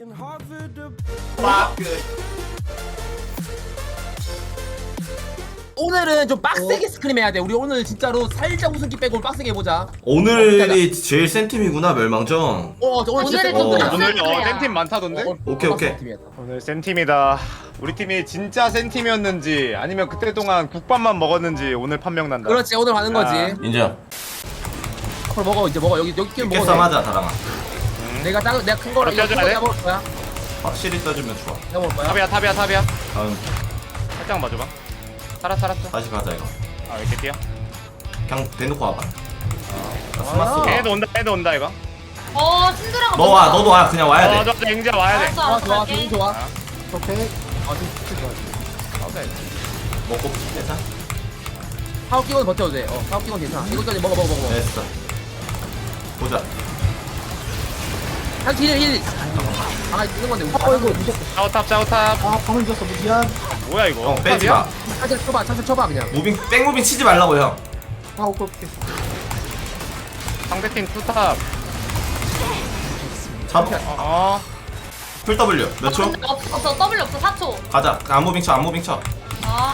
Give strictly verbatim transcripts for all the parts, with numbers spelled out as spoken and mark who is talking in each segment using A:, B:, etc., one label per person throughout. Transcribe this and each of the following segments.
A: 오늘은 좀 빡세게 스크림 해야 돼. 우리 오늘 진짜로 살짝 우승기 빼고 빡세게 해보자.
B: 오늘이 제일 센 팀이구나 멜망전.
A: 어, 오늘 진짜
C: 오늘은
A: 센
C: 좀
A: 팀이야.
C: 더
D: 오늘
C: 센
D: 어,
C: 팀이야.
D: 센팀 많다던데?
A: 어,
B: 오케이,
A: 어,
B: 오케이.
A: 센 팀이야.
D: 오늘 센 팀이다. 우리 팀이 진짜 센 팀이었는지 아니면 그때 동안 국밥만 먹었는지 오늘 판명 난다.
A: 그렇지, 오늘 가는 거지.
D: 아.
B: 인정.
A: 앞으로 먹어, 이제 먹어. 여기 여기 끼면 먹어.
B: 깨싸움 하자 다랑아.
A: 내가 작, 내가 큰 거를 이거
D: 껴줘야
A: 큰
D: 돼?
A: 거 먹을 거야.
B: 확실히 떠주면 좋아.
A: 내가 먹을 거야.
D: 탑이야 탑이야 탑이야.
B: 다음
D: 살짝 맞아봐. 살았 살았어.
B: 다시 가자 이거.
D: 아 이렇게 뛰어.
B: 그냥 대놓고 와봐. 나
A: 아.
B: 스마스.
D: 걔도 온다 걔도 온다 이거.
C: 어 신드라가
B: 너 와, 너도 와. 그냥 와야
D: 어
B: 돼.
D: 저 앵자 와야 돼.
C: 알았어
A: 좋아,
C: 알았어
A: 좋아,
C: 갈게.
A: 기분 좋아.
D: 아.
A: 오케이. 아, 진짜 좋아.
D: 오케이.
B: 먹고 빼자.
A: 파워 끼고는 버텨도 돼. 어, 파워 끼고는 괜찮아. 이거까지 먹어, 먹어, 먹어.
B: 됐어. 보자.
A: 한 힐, 힐. 아, 이런 건데. 어, 이거 무섭다.
D: 짜오탑 짜오탑.
A: 아, 방금 줬어. 미안.
D: 뭐야 이거?
B: 형 빼지 마.
A: 차차 쳐봐, 차차 쳐봐 그냥.
B: 무빙 백무빙 치지 말라고 형.
A: 아, 오케이, 오케이.
D: 상대팀 투탑.
B: 잡.
D: 어.
B: 풀 W 몇 초?
C: 없어 W 없어 사 초.
B: 가자. 안무빙 쳐. 안무빙 쳐.
C: 아,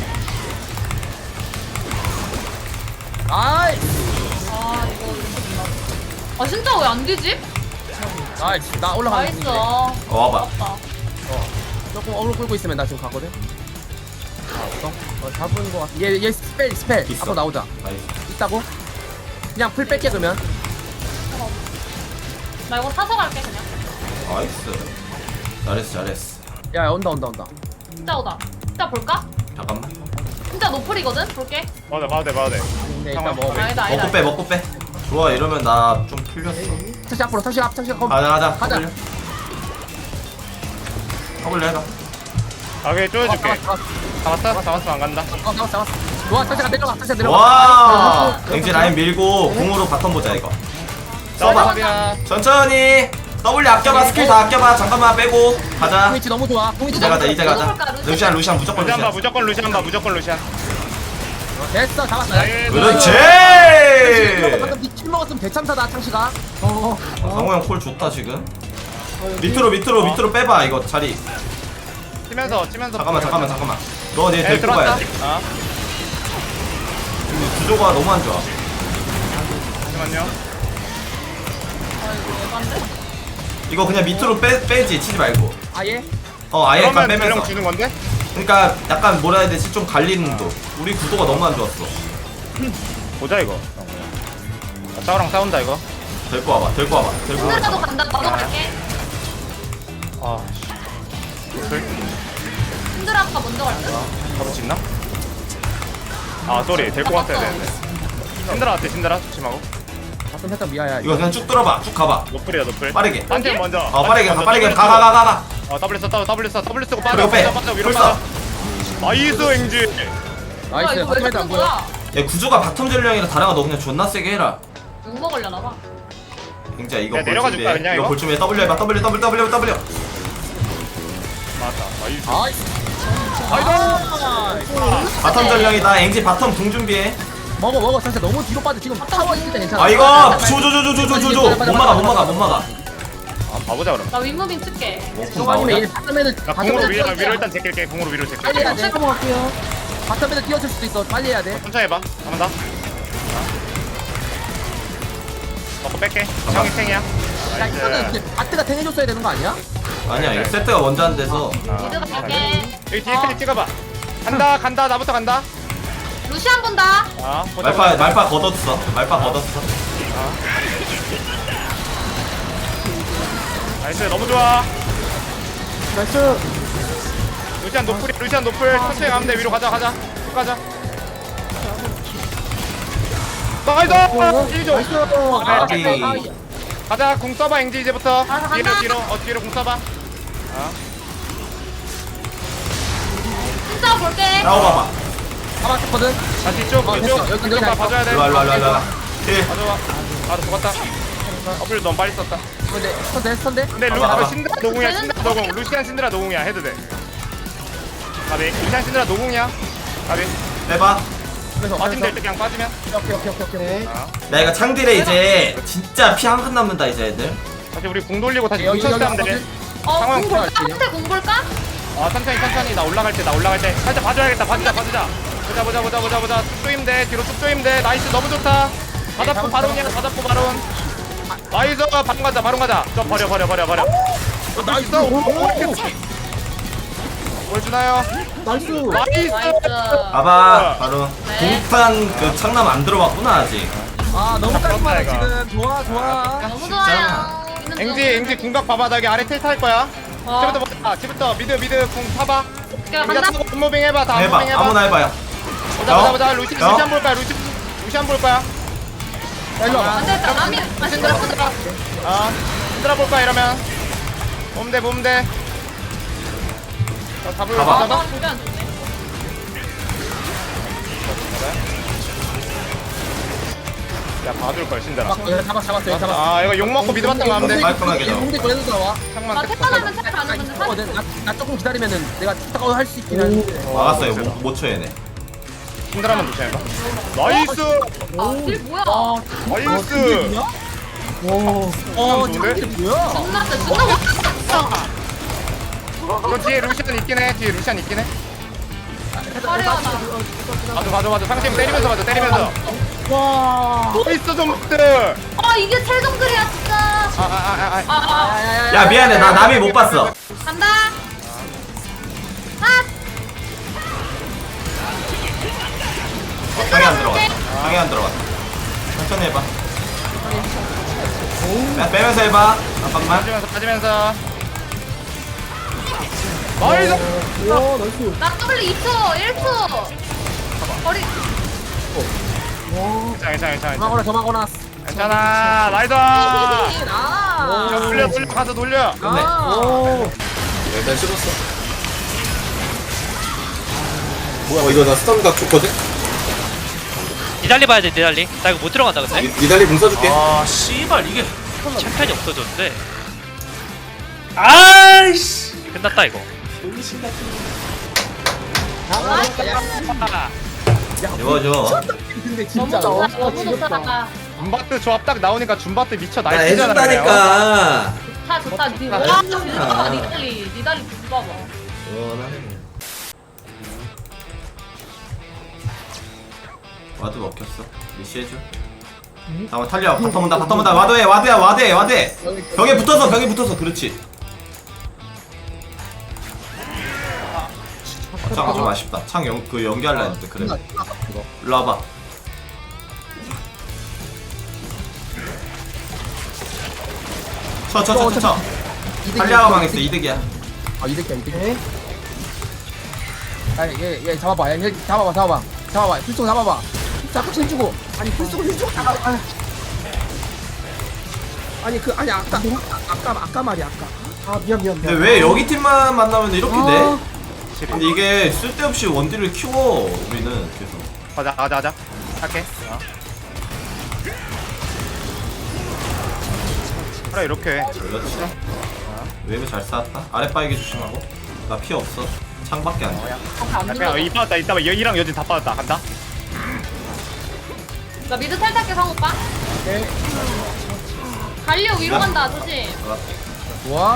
A: 아이,
C: 아 이거 이거 아 진짜 왜 안 되지?
A: 아이, 나 올라가는
C: 나이스.
A: 중인데.
B: 어, 와봐.
C: 아깝다.
A: 조금 어그로 끌고 있으면 나 지금 가거든. 아, 없어? 어, 잡은 거 같아. 얘, 얘 스펠, 스펠.
B: 있어.
A: 앞으로 나오자.
B: 나이스.
A: 있다고? 그냥 풀 뺄게 그러면.
C: 나 이거 사서 갈게 그냥.
B: 나이스. 잘했어 잘했어.
A: 야, 야, 온다, 온다, 온다.
C: 진짜 오다. 진짜 볼까?
B: 잠깐만.
C: 진짜 노플이거든. 볼게.
D: 봐도 돼 봐도 돼 봐도 돼.
A: 근데 일단
D: 잠깐만.
A: 먹어.
C: 아니다 아니다.
B: 먹고 빼 먹고 빼. 좋아 이러면 나 좀 풀렸어.
A: 다시 앞으로, 다시 앞, 다시 앞.
B: 가자 가자.
A: 가자.
B: W. W 해봐.
D: 아 오케이 쪼여줄게.
A: 어, 잡았어,
D: 잡았어? 잡았어 안 간다.
A: 잡았어, 잡았어, 잡았어. 좋아, 다시가 내려가, 다시가 내려가.
B: 와. 왠지 라인 밀고 공으로 바텀 보자 이거. 써봐.
D: 탑이야.
B: 천천히. W 아껴봐 스킬 다 아껴봐. 잠깐만 빼고 가자.
A: 공이치 너무 좋아. 공이치
B: 이제
A: 너무
B: 가자
A: 좋아.
B: 이제 가자. 루시안 루시안 무조건
D: 루시안 봐
B: 루시안.
D: 무조건 루시안 봐 무조건 루시안.
A: 됐어, 잡았어.
D: 나이스.
B: 그렇지.
A: 방금 니킬 먹었으면 대참사다, 창시가. 어, 어.
B: 상호 형 콜 좋다 지금. 밑으로 밑으로 밑으로 빼봐 이거 자리.
D: 치면서 치면서.
B: 잠깐만 잠깐만 잠깐만. 너얘
D: 에
B: 데리고 가야
D: 들어왔다.
B: 돼.
D: 아
B: 근데 구조가 너무 안 좋아.
D: 잠시만요.
C: 아 이거 예반데?
B: 이거 그냥 밑으로 빼 빼지 치지 말고.
A: 아예?
B: 어 아예 약간
D: 그러면
B: 빼면서.
D: 대령 주는 건데?
B: 그러니까 약간 뭐라 해야 되지 좀 갈리는 도. 우리 구도가 너무 안 좋았어.
D: 보자 이거. 아, 짜오랑 싸운다 이거.
B: 데리고 와봐 데리고 와봐 데리고
C: 신드라도
B: 와봐.
C: 간다. 나도 갈게.
D: 아 씨. 노플?
C: 신드라가 먼저 갈게.
D: 잡을 수 있나? 아 쏘리 데리고 왔어야 되는데. 신드라 어때 신드라? 조심하고.
A: 가끔 살짝 미아야.
B: 이거 그냥 쭉 들어봐 쭉 가봐.
D: 노플이야 노플.
B: 빠르게.
D: 한팀 먼저.
B: 어 빠르게 가
D: 먼저,
B: 빠르게
D: W
B: 가 가 가 가가.
D: 어 W 써 W 써 W 쓰고 빠져
B: 그리고 빼.
D: 빠져 빠져 위로
B: 불
D: 빠져.
B: 써.
D: 나이스 앵지.
C: 뭐야,
A: 나이스.
C: 이거 왜
A: 하지만 안
C: 잡는
A: 보여.
C: 거야?
B: 야 구조가 바텀 전령이라 다랑아 너 그냥 존나 세게 해라.
C: 욕 먹으려나 봐.
B: 굉장히 이거
D: 야,
B: 볼
D: 내려가
B: 준비해.
D: 줄까, 그냥
B: 이거
D: 이거?
B: 볼 준비해. W 해봐 W W W W.
D: 맞다. 나이스.
A: 나이스.
D: 나이스.
B: 바텀 전령이다. 앵지 바텀 궁 준비해.
A: 먹어, 먹어. 진짜 너무 뒤로 빠져. 지금 타워 있을 때 괜찮아.
B: 아 이거 조조조조조조조 못 막아 못 막아 못 막아.
D: 아 봐보자 그럼.
C: 나 윗무빙 쓸게.
A: 저거 아니면 얘 바텀에는
D: 나 공으로 위로 위로 일단 제낄게. 공으로 위로 제낄게.
A: 빨리 해야 돼. 넘어갈게요. 바텀에는 뛰어줄 수도 있어. 빨리 해야 돼.
D: 천천히 해봐. 한번 더. 먹고 뺄게. 형이 탱이야.
A: 야, 이거는
D: 나이스.
A: 근데 바트가 탱해줬어야 되는 거 아니야?
B: 아니야 이거 세트가 먼저 안 돼서.
C: 미드 갈게.
D: 여기 뒤에 클릭 찍어봐. 간다 간다 나부터 간다.
C: 루시안 본다.
D: 아 보자,
B: 말파
D: 보자.
B: 말파 걷었어. 말파 걷었어.
D: 나이스 너무 좋아.
A: 나이스.
D: 루시안 노플이 루시안 노플 천천히 가면 돼. 위로 가자 가자. 쭉 가자. 나이스. 일 조.
B: 아비.
D: 가자 궁 써봐 앵지 이제부터.
C: 가자,
D: 뒤로
C: 간다.
D: 뒤로 어 뒤로 궁 써봐.
C: 진짜 볼게.
B: 나와봐봐.
A: 잡았거든.
D: 자 뒤쪽
A: 어,
D: 뒤쪽
A: 됐어. 여기,
D: 뒤쪽
A: 여기
D: 봐 봐줘야 돼.
B: 일로와 일로와 일로와 일로와. 힐.
D: 가져와. 아너 죽었다. 어플 너무 빨리 썼다.
A: 근데 스턴데, 스턴데.
D: 근데 루
B: 봐봐, 봐봐.
D: 신드라 노공이야 신드라 노공. 루시안 신드라 노공이야 해도 돼. 가비 루시안 신드라 노공이야. 가비
B: 빼봐.
A: 그래서
D: 빠지면 될 때 그냥 빠지면.
A: 오케이, 오케이, 오케이, 오케이.
D: 아.
B: 나 이거 창딜에 이제 진짜 피 한 칸 남는다 이제 애들.
D: 다시 우리 궁 돌리고 다시
A: 여기,
D: 궁
A: 여기,
D: 쳤으면 돼.
A: 여기.
C: 어,
D: 상황
C: 공 볼까?
A: 좋아,
C: 한테 공 볼까?
D: 아 천천히 천천히 나 올라갈 때 나 올라갈 때 살짝 봐줘야겠다 봐주자 봐주자 보자 보자 보자 보자 보자 쭉 조임 돼 뒤로 쭉 조임 돼 나이스 너무 좋다 다 잡고 바론이야 다 잡고 바론 나이스 바론 가자 바론 가자 저 버려 버려 버려 버려 나이스 보여주나요?
A: 나이스.
D: 나이스
C: 나이스.
B: 봐봐 바로
C: 네.
B: 공탄 그 창남 안 들어봤구나 아직.
A: 아 너무
D: 아,
A: 깔끔하다
D: 이거.
A: 지금. 좋아 좋아.
C: 너무 좋아요. 있는 중.
D: 앵지 앵지 궁각 봐봐 나 여기 아래 텔 탈 거야
C: 어.
D: 지금부터 보자 지금부터 미드 미드 궁 타봐
C: 야,
D: 앵지
C: 간다.
D: 타고 굿무빙 해봐 다
B: 해봐
D: 굿무빙
B: 아무나
D: 해봐
B: 해봐요.
D: 보자 보자 보자 루시
B: 어?
D: 루시안 볼 거야 루시 루시안 볼 거야
A: 야 일로 와봐.
C: 안 됐다. 남이 아 시끄럽다.
D: 아 흔들어 볼 거야 이러면 몸대 몸대 어, 잡을
B: 가봐.
D: 잡아
C: 아, 저게 안 좋네.
D: 야 봐줄 걸 신들아
A: 야, 잡았 잡았어 여기 잡았어.
D: 아 이거 욕 먹고 미드 봤다 가면 돼
B: 깔끔하게 잡아.
A: 홍대 거에서 나와.
D: 창만
C: 아,
D: tek
C: 태판하면 태 가는 건데 사.
A: 거든. 나, 나 조금 기다리면은 내가 탁탁 할수 있긴 한데.
B: 막았어요. 못, 못 쳐 얘네.
D: 힘들하면 조심해봐 나이스
C: 아, 딜 뭐야?
A: 아,
D: 나이스
A: 어,
D: 좋은데?
A: 장기 뭐야?
C: 존나다. 존나 못했어.
D: 이거 뒤에 루시안 있긴 해 뒤에 루시안 있긴 해
C: 화려하다.
D: 맞아 맞아 맞아 상팀 때리면서 맞아 때리면서
A: 와.
D: 나이스 좀들
C: 아, 이게 텔정글이야 진짜.
D: 아아아아
C: 아, 아.
B: 야 미안해 나 남이 못 봤어.
C: 간다. 아,
B: 방에 안 들어갔다. 방에 안 들어갔다. 천천히 해봐. 야 빼면서 해봐. 잠깐만.
D: 빠지면서 빠지면서 나이스
A: 와, 나이스.
C: 나 W 이 초, 일 초. 거리.
D: 괜찮아 괜찮아 괜찮아
A: 저마거나 저마거나.
D: 괜찮아 나이스
A: 아.
D: 저 돌려 돌려 가서 돌려
B: 끝내.
A: 오.
E: 일단 씹었어. 뭐야 이거 나 스턴각 줬거든?
F: 니달리 봐야 돼 니달리. 나 이거 못 들어간다 근데.
E: 니- 니달리 공 써줄게.
B: 아 씨발 이게.
F: 챔피언이 없어졌는데. 아이씨. 끝났다 이거.
B: 이거 줘.
A: 근데
C: 너무
A: 진짜
C: 좋다.
A: 와,
C: 너무
A: 지겹다.
C: 좋다.
D: 줌바트 조합 딱 나오니까 줌바트 미쳐
E: 나
D: 날뛰잖아요
E: 해준다니까.
C: 좋다, 좋다. 니 와,
E: 아.
C: 진짜 니달리, 니달리 좀 봐봐.
E: 원하네.
B: 와드 먹혔어. 리시해줘. 잠깐 탈려. 바텀 온다. 바텀 온다. 와드해. 와드야. 와드해. 와드해. 벽에 붙어서 벽에 붙어서 그렇지. 아, 창 좀 아쉽다. 창 연, 그 연기하려 했는데 그래. 일로 와봐. 쳐, 쳐, 쳐, 쳐, 쳐. 탈리아가 망했어. 이득이야.
A: 아 이득이야 이득. 아, 얘, 얘 잡아봐. 얘, 얘 잡아봐, 잡아봐, 잡아봐. 풀속 잡아봐. 자꾸 힘주고. 아니 풀속을 힘주고. 아, 아. 아니 그 아니 아까 아까 아까 말이야 아까. 아 미안 미안
B: 근데
A: 미안.
B: 왜 여기 팀만 만나면 이렇게
A: 아.
B: 돼? 근데 이게 쓸데없이 원딜을 키워 우리는 계속.
D: 가자 가자 가자 할게 어. 그래 이렇게
B: 그렇지. 웨이브 잘 쌓았다. 아래 빠이게 조심하고. 나 피 없어. 창밖에 안 돼.
C: 안
D: 야,
C: 눌러.
D: 그냥 이 빠졌다 이따 여기랑 여진 다 빠졌다 간다
C: 나 미드 탈탈게 상호 빠.
A: 오케이.
C: 갈려 위로 간다 조심.
A: 좋아.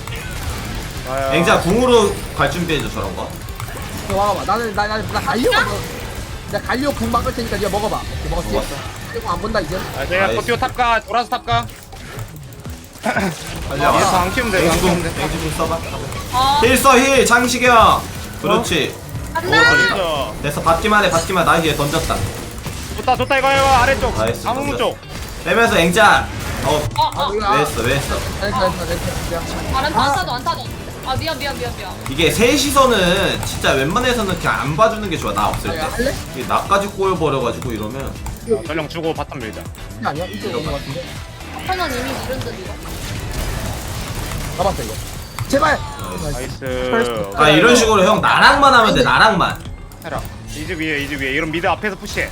B: 앵자 궁으로 갈 준비해줘 저런 거.
A: 너 와봐. 나는 나나나 갈려. 나 갈려 궁 막을 테니까 네가 먹어봐. 오케이, 먹었지.
B: 먹었어.
A: 이거 안 본다 이제.
D: 아, 내가
B: 나이스.
D: 버티오 탑가 돌아서 탑가
B: 달려.
D: 이래서 안 키우면 돼 안
B: 앵지
D: 키우면
B: 궁,
D: 돼
B: 앵지 궁 써봐.
C: 어.
B: 힐 써, 힐. 장식형. 그렇지.
C: 간다.
D: 그래서
B: 됐어. 받기만 해, 받기만. 나 이제 던졌다.
D: 좋다 좋다 이거 이거 아래쪽
B: 나이스,
D: 아무
B: 던져.
D: 쪽
B: 빼면서 앵자. 어,
C: 어, 어.
B: 왜 했어, 왜 했어.
A: 됐어 됐어 됐어.
C: 아, 안 타도 안 타도. 아 미안 미안 미안 미안.
B: 이게 셋이서는 진짜 웬만해서는 그냥 안 봐주는 게 좋아. 나 없을 때.
A: 야, 할래?
B: 이게 나까지 꼬여버려가지고 이러면.
D: 전령 주고 바텀 밀자
A: 이게 아니야? 이쪽에 오는 거 같은데.
C: 하나는 이미 이런 듯 이거.
A: 잡았어 이거. 제발.
D: 나이스
B: 아, 이런 식으로 형 나랑만 하면 돼, 나랑만.
D: 해라 이즈 위에 이즈 위에 이런 미드 앞에서 푸시해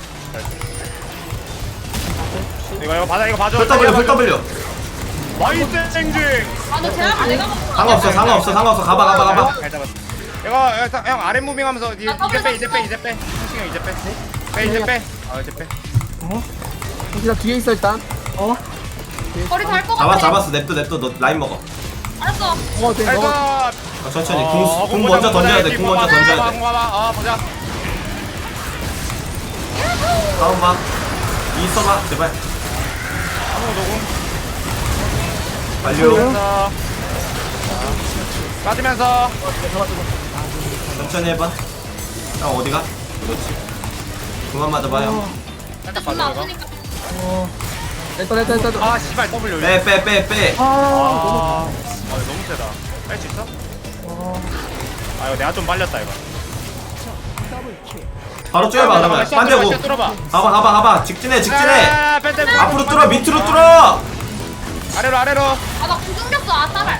D: 이거 이거 받아 이거 봐줘
B: 풀 W, 풀 W.
D: 나이스 땡지
C: 아너 제압 내가 먹고.
B: 상관없어, 상관없어, 상관없어. 가봐, 가봐, 가봐.
D: 잘 잡았어 이거 이거 형 아래 무빙하면서 이제
C: 아,
D: 이제 빼 이제 빼 이제 빼 형식 형 이제 빼빼 이제 빼아 이제 빼
A: 혹시 나 뒤에 있어 일단. 어?
C: 거리 잘것 같아.
B: 잡았, 잡았어. 냅둬, 냅둬. 너 라인 먹어.
C: 알았어.
A: 어, 네,
D: 아이고.
A: 너.
B: 어, 천천히
D: 어,
B: 궁, 궁
D: 보자,
B: 먼저
D: 보자,
B: 던져야 돼.
D: 여기
B: 궁
D: 봐봐,
B: 먼저 던져야
D: 봐봐,
B: 돼.
D: 봐봐. 어 보자.
B: 다음 봐. 이 써봐 제발.
D: 아무 노공.
B: 완료.
D: 빠지면서. 빠지면서.
B: 천천히 해봐. 형 어디가? 그렇지. 그만 맞아봐요.
D: 살짝
C: 존나
D: 빠져 이거.
C: 아프니까.
A: 어. 일단, 일단, 일단.
D: 아 씨발 W.
B: 빼 빼 빼 빼.
A: 아,
D: 아, 아 이거 너무 세다. 뺄 수 있어?
A: 너무.
D: 아 이거 내가 좀 빨렸다 이거.
B: 바로 쪼여봐 그러면. 반대고.
D: 뚫어봐.
B: 가봐 가봐 가봐. 직진해 직진해.
D: 아, 뺀, 뺀, 뺀.
B: 앞으로 뚫어 밑으로 뚫어.
D: 아래로 아래로.
C: 아나 궁금겼어. 아 따발.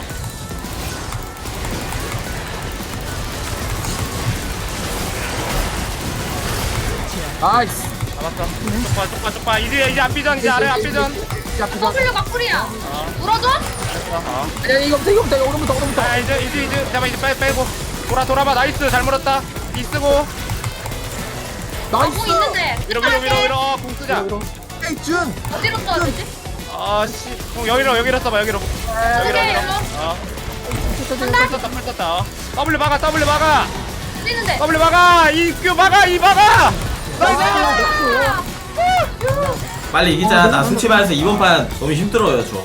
A: 나이스.
D: 잡았어. 쪽봐 쪽봐 쪽봐. 이제 이제 앞비전 이제 아래 앞비전.
A: 야, 부자.
C: W가 쿨이야. 물어줘?
D: 어.
A: 야, 이거부터, 이거부터, 이거 오른부터, 오른부터.
D: 아 이제 이제 이제 잠깐 이제 빼 빼고 돌아 돌아봐. 나이스 잘 물었다. 이 쓰고
A: 나이스.
C: 공 있는데.
D: 위로 위로 위로 위로 어, 공 쓰자.
A: 에이, 준.
C: 어디로 써야 되지?
D: 아씨. 공 여기로 여기로 써봐 여기로. 여기로
C: 오케이,
D: 여기로.
C: 일로.
D: 어.
C: 간다.
D: 풀 썼다 풀 썼다. 어. W 막아 W 막아.
C: 뛰는데.
D: W 막아. 이규 막아 이 막아. 나이스.
C: 아,
B: 빨리 이기자. 나 순치반에서 이번 판 너무 힘들어요 저.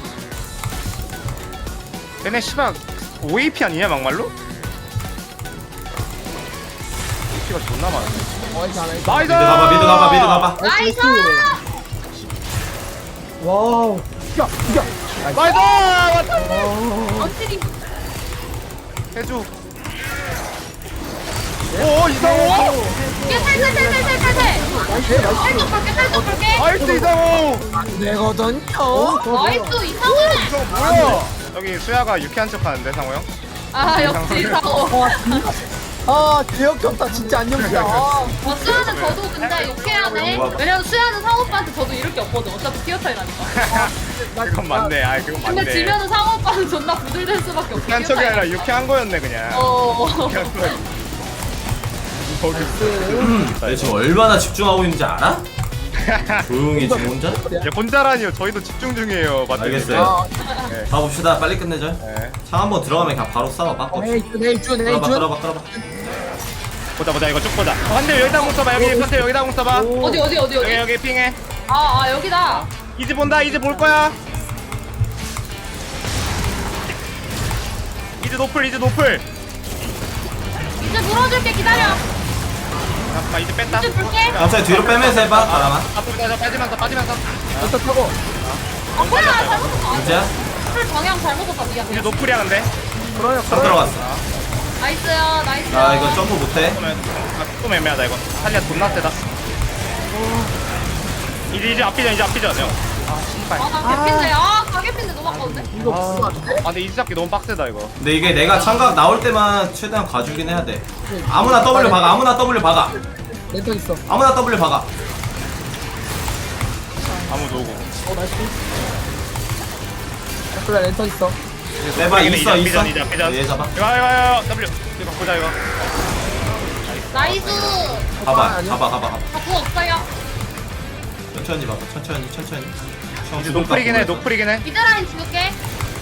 D: 얘네 씨발 오 에이피 아니냐 막말로? 에이피가 존나 많아.
A: 어, 이제 안 해.
D: 나이스.
B: 미드 가봐 미드 가봐 미드 가봐.
C: 나이스.
A: 와우. 야, 야.
D: 나이스. 왔다.
C: 언틸이.
D: 해줘. 오 이상호.
C: 이게 살살살살살살. 살짝 볼게 살짝 볼게.
D: 나이스 이상호.
A: 되거든요.
C: 나이스 이상해.
D: 뭐야? 여기 수야가 유쾌한 척하는데 상호 형.
C: 아 역시 이상호.
A: 아, 개역겹다. 진짜 안 엽니다. 아.
C: 어, 수야는 저도 근데 욕해야돼. 왜냐면 수야는 상호 오빠한테 저도 이럴 게 없거든. 어차피 티어 차이라니까.
D: 그건 맞네. 아 그건 맞네.
C: 근데 지면은 상호 오빠는 존나 부들될 수밖에 없어.
D: 유쾌한 척이 아니라 유쾌한 거였네 그냥.
C: 어.
D: 유쾌한 거. 거기
B: 내가 지금 얼마나 집중하고 있는지 알아? 조용히 지금 혼자?
D: 야 혼자라니요. 저희도 집중 중이에요. 맞죠?
B: 알겠어요.
A: 아,
B: 가봅시다. 빨리 끝내자.
D: 네.
B: 창 한번 들어가면 그냥 바로 싸워. 바꿔.
A: 에이, 준, 에이, 준, 에이,
B: 끌어봐
A: 준.
B: 끌어봐 끌어봐.
D: 보자 보자 이거 쭉 보자. 어, 한대 여기다 공 써봐. 여기 한대 여기다 공 써봐.
C: 어디 어디 어디
D: 여기
C: 어디?
D: 여기 핑해.
C: 아, 아 여기다.
D: 이제 본다. 이제 볼 거야. 이제 노플 이제 노플.
C: 이제 물어줄게 기다려.
D: 잠깐만 이제 뺐다.
C: 이제 볼게.
B: 천천히 뒤로 빼면서 해봐. 바람아.
D: 앞으로 가자. 빠지면서 빠지면서.
A: 일단 타고.
C: 아 뭐야 잘못했어.
B: 이제야?
C: 풀 방향 잘못했다 미안.
D: 이제 노플이야 근데.
A: 그래요,
B: 딱 들어갔어.
C: 나이스야 나이스.
B: 나 이거 점프 못해.
D: 좀, 애- 아, 좀 애매하다 이거. 탈리아 존나 세다. 이제 이제 앞비전 이제 앞비전 형. 아 씨발.
C: 아나 개핀데 아 가게핀데 너무 아까운데?
A: 이거 무슨 말인데?
D: 아 근데 이제 잡기 너무 빡세다 이거.
B: 근데 이게 내가 창각 나올 때만 최대한 가주긴 해야 돼. 아무나 W 박아. 아무나 W 박아.
A: 랜턴 있어.
B: 아무나 W 박아.
D: 아무도 오고.
A: 어, 나이스. 그래, 랜턴 있어.
B: 내봐
D: 이제
B: 있어 있어.
D: 앞비전, 이제 앞비전.
B: 얘 잡아.
D: 이거 이거 이거 W. 이거 보자 이거.
C: 나이스.
B: 가봐
A: 아니야?
B: 가봐 가봐 가봐.
C: 자꾸 없어요.
B: 천천히 봐봐. 천천히 천천히.
D: 이제 노플이긴 해 노플이긴 해.
C: 미드 라인 지울게.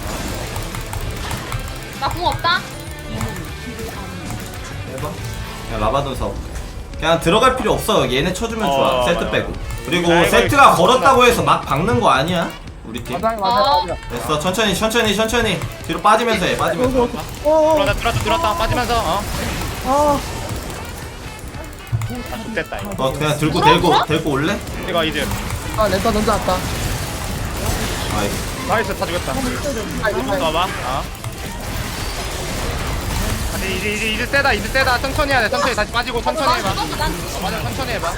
C: 나 궁 없다.
B: 해봐. 그냥 라바돈 사업. 그냥 들어갈 필요 없어. 얘네 쳐주면 좋아.
D: 어,
B: 세트
D: 맞아.
B: 빼고. 그리고
D: 아, 이거
B: 세트가
D: 이거
B: 걸었다고 해서 막 박는 거 아니야. 우리 팀.
A: 맞아, 맞아,
C: 어.
A: 맞아.
B: 됐어. 천천히 천천히 천천히. 뒤로 빠지면서 해. 빠지면서.
A: 어,
D: 들어왔다 들어왔다 들어왔다 빠지면서 어.
A: 아.
D: 아 좋됐다 이거.
B: 어 그냥 들고
C: 물어,
B: 데리고
C: 물어?
B: 데리고 올래?
D: 이거 이제
A: 아, 랜턴 던져놨다.
B: 아이.
D: 나이스 다 죽였다. 한번 더 와봐. 어. 아니 이제 이제 이제 세다 이제 세다. 천천히 해야 돼. 천천히 다시 빠지고 천천히
C: 난
D: 해봐.
C: 죽었어 난
D: 어,
C: 죽었어.
D: 맞아 천천히 해봐.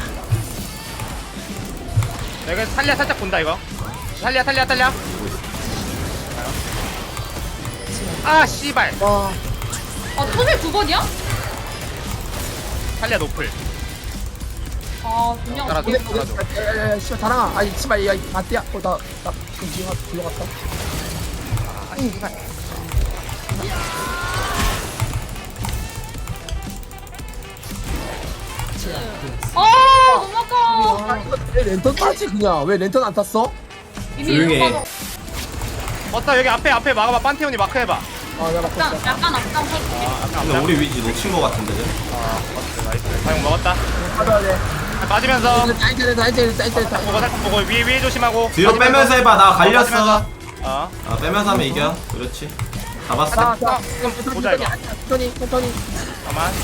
D: 내가 탈리아 살짝 본다 이거. 탈리아 탈리아 탈리아. 아 씨발.
A: 와.
C: 아 토밀 두 번이야?
D: 탈리아 노플.
C: 아 그냥
D: 따라줘.
A: 근데, 야, 야, 씨발, 다랑아. 아니, 씨발, 야, 아띠야. 어, 나, 나, 지금 뒤로 갔- 뒤로 갔다.
D: 아 씨발.
C: 아 너무 아까워.
A: 아, 이거 왜 랜턴 따지, 그냥? 왜 랜턴 안 탔어?
C: 이미
B: 조용히 해.
C: 이거
D: 버터 여기 앞에 앞에 막아봐. 판테온이 마크해봐.
A: 어 내가
C: 약간
A: 먹고 있어.
C: 약간 앞장 서줄게.
D: 아, 아까
B: 근데 우리 위치 놓친 거 같은데 쟤?
D: 아, 버터 나이스. 사용 먹었다.
A: 가져야 돼.
D: 빠지면서
A: 짜이짜이 짜이짜이 짜이짜이.
D: 보고 살짝 보고 위에 위에 조심하고.
B: 뒤로
D: 빠지면서.
B: 빼면서 해봐. 나 갈렸어.
D: 빠지면서. 어.
B: 아 빼면서 하면 이겨. 그렇지. 잡았어.
A: 자, 자,
D: 보자, 이거.
A: 천천히 천천히.
D: 잠깐만.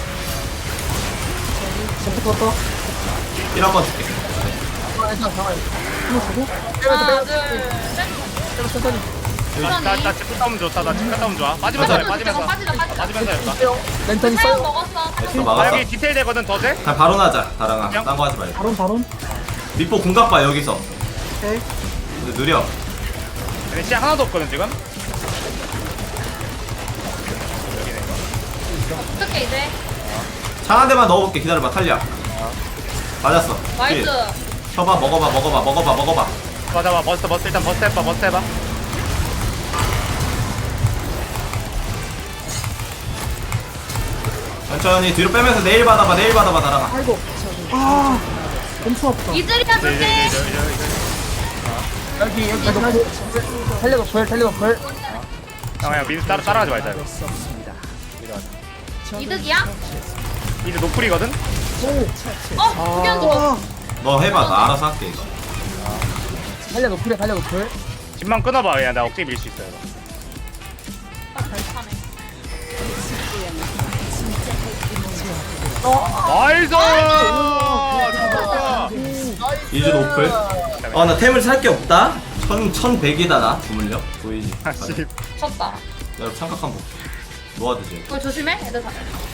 A: 점프부터.
B: 일 한 번 줄게.
A: 괜찮아 잠깐. 이거 주고.
C: 하나
A: 빼면서
C: 둘 셋.
A: 빼면서 천천히.
D: 나나 집 갔다 오면 좋다. 나 집 갔다 오면 좋아. 빠지면서 해. 빠지면서.
C: 빠지자 빠지자.
D: 빠지면서 해봐.
A: 빼요. 랜턴
C: 사용
A: 있어요.
C: 먹었어.
B: 됐어
D: 나
B: 막았어.
D: 여기 디테일 되거든 더 돼?
B: 그냥 바로 나자. 다랑아.
D: 그냥?
B: 딴 거 하지 말고.
A: 바론 바론.
B: 미포 궁각 봐 여기서.
A: 오케이.
B: 근데 느려.
D: 근데 시야 하나도 없거든 지금.
C: 어떻게 이제?
B: 창 한 대만 넣어볼게. 기다려봐. 탈리야. 맞았어.
C: 나이스.
B: 딜. 쳐봐. 먹어봐. 먹어봐. 먹어봐. 먹어봐.
D: 맞아 봐. 버스 버스 일단 버스 해봐. 버스 해봐.
B: 천천히 뒤로 빼면서 내일 받아봐. 내일 받아봐. 다랑아.
A: 아이고. 아. 엄청 아프다.
C: 이즈리아
D: 이제 이제
C: 줄게.
D: 이제 이제 이제.
A: 여기 여기 여기. 살려도 벌 살려도 벌.
D: 형 그냥 민수 따라 따라가지 말자 이거.
C: 이득이야?
D: 이제 노플이거든.
C: 어? 두견 들어.
B: 너 해봐. 나 알아서 할게 이거.
A: 살려도 풀에 살려도 벌.
D: 집만 끊어봐. 그냥 나 억지 밀 수 있어 이거. 나이스! 좋다.
B: 이즈 노플. 아 나 템을 살 게 없다. 천 천백이다 나 주물력 보이지.
D: 아, 씨.
C: 쳤다.
B: 여러분 잠깐 한번 놓아두지.
C: 그거 조심해. 애들 다.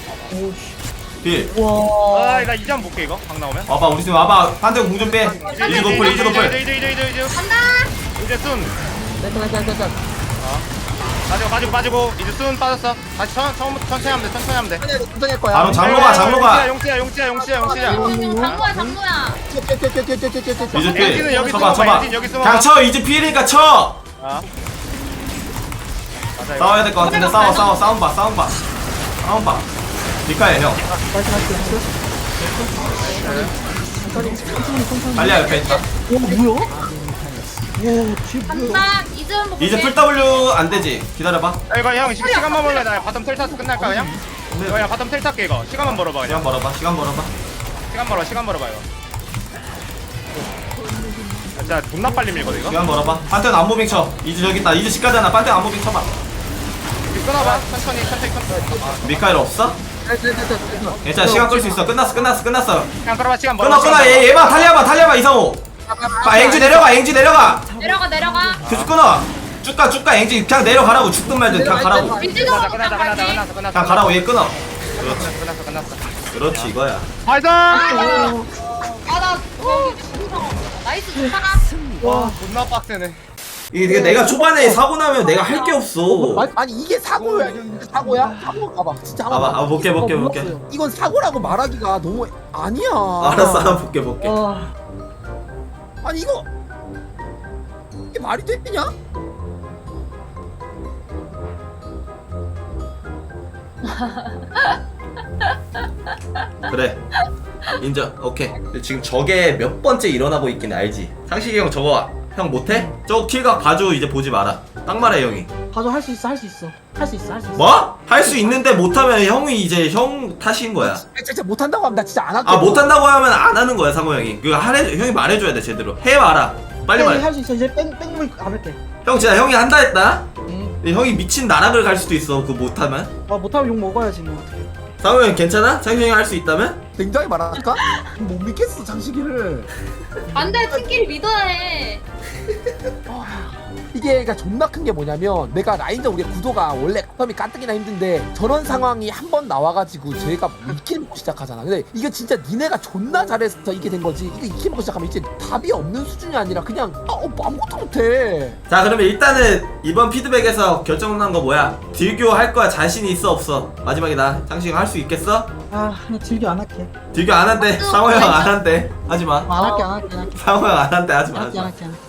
B: 빌.
A: 와.
D: 아, 나 이제 한번 볼게 이거. 방 나오면.
B: 와봐 우리 팀 와봐. 판정 공좀 빼. 이즈 노플 이즈
D: 이제
B: 노플.
D: 이제 이제 이제 이제
C: 간다.
D: 이제 순.
A: 랜턴 랜턴 랜턴.
D: 빠지고 빠지고 빠지고 이제 순 빠졌어. 다시 천 처음부터 천천히 하면 돼. 천천히 하면 돼.
A: 천천히 할 거야.
B: 바로 장로가 장로가.
D: 용치야 용치야 용치야 용치야.
C: 장구야 장구야.
B: 이즈
D: 엔진은
B: 필.
D: 여기
B: 쳐봐
D: 숨어봐,
B: 쳐봐.
D: 엔진 여기 숨어봐.
B: 그냥 쳐. 이즈 필이니까 쳐.
D: 아. 맞아, 이거.
B: 싸워야 될 것 같은데 싸워 싸워 싸움 봐 싸움 봐. 싸움 봐. 니카야 형. 달리야 옆에 있다.
A: 오 뭐야?
C: 간다. 이즈 한번
B: 이제 풀
C: 볼게.
B: W 안 되지. 기다려봐.
D: 야, 이거 형 시- 시간만 벌래. 나 바텀 텔 타서 끝날까 그냥? 이거 그냥 바텀 텔 탈게 이거. 시간만 벌어봐 그냥.
B: 시간 벌어봐. 시간 벌어봐.
D: 시간 벌어 시간 벌어봐 이거. 아, 진짜 존나 빨리 밀거든 이거.
B: 시간 벌어봐. 판테온 안무빙 쳐. 이즈 저기 있다. 이즈 집가잖아. 판테온 안무빙 쳐봐.
D: 이거 끊어봐. 천천히 천천히 천천히.
B: 미카엘 없어? 괜찮아. 시간 끌 수 있어. 끝났어. 끝났어. 끝났어.
D: 그냥 끌어봐 시간 벌어.
B: 끊어 끊어. 얘 얘봐. 달려봐. 달려봐. 이상호. 아 앵지 내려가. 앵지 내려가.
C: 내려가 내려가.
B: 계속 끊어. 쭉가 쭉가. 앵지 그냥 내려가라고. 죽든 말든 그냥 가라고.
C: 민지도
D: 끝났다 끝났다 끝났다
C: 못까지.
D: 끝났어 끝났어.
B: 그냥 가라고. 얘 끊어.
D: 끝났어 끝났어 끝났어.
B: 그렇지 이거야.
D: 나이스.
C: 아나 저기 진짜 나이스 좋다.
D: 와 존나 빡세네.
B: 이게 내가 초반에 사고 나면 내가 할 게 없어.
A: 아니, 아니 이게 사고야. 사고야? 사고 봐봐. 진짜 한번
B: 봐봐. 아, 볼게, 볼게, 볼게.
A: 이건 사고라고 말하기가 너무 아니야.
B: 알았어. 한번 볼게 볼게.
A: 아. 아니 이거 이게 말이 되냐?
B: 그래. 인정. 오케이. 근데 지금 저게 몇 번째 일어나고 있긴 알지. 상식이 형 저거 형 못해? 저 킬각 봐줘. 이제 보지 마라. 딱 말해 형이.
A: 봐줘 할 수 있어 할 수 있어 할 수 있어 할 수 있어.
B: 뭐? 할 수 있는데 못하면 형이 이제 형 탓인 거야.
A: 진짜 못한다고 하면 나 진짜 안 할게.
B: 아 못한다고 하면 안 하는 거야 상호 형이. 그거 하래 형이 말해줘야 돼 제대로. 해봐라. 빨리 말해.
A: 할수 있어. 이제 뺑 뺑물 안 할게.
B: 형 진짜 형이 한다 했다.
A: 응.
B: 근데 형이 미친 나락을 갈 수도 있어. 그거 못하면.
A: 아 못하면 욕 먹어야지 뭐.
B: 상호 형 괜찮아? 창희 형이 할 수 있다면?
A: 굉장히 말할까? 못 믿겠어 장식이를.
C: 안돼 팀끼리 믿어야 해.
A: 이게 그러니까 존나 큰 게 뭐냐면 내가 라인전 우리 구도가 원래 텀이 까뜩이나 힘든데 저런 상황이 한 번 나와가지고 저희가 이킬 먹고 시작하잖아. 근데 이게 진짜 니네가 존나 잘해서 이게 된 거지. 이거 이킬 먹고 시작하면 이제 답이 없는 수준이 아니라 그냥 아, 어, 아무것도 못해.
B: 자 그러면 일단은 이번 피드백에서 결정난 거 뭐야? 딜교 할 거야 자신이 있어 없어? 마지막이다. 창식 할 수 있겠어?
G: 아, 나 딜교 안 할게.
B: 딜교 안 한대. 상호 형 안 한대. 하지 마.
G: 안 할게, 안 할게, 안 할게.
B: 상호 형 안 한대. 하지 마.
G: 안
B: 하지
G: 할게,
B: 마.
G: 안 할게. 안 할게.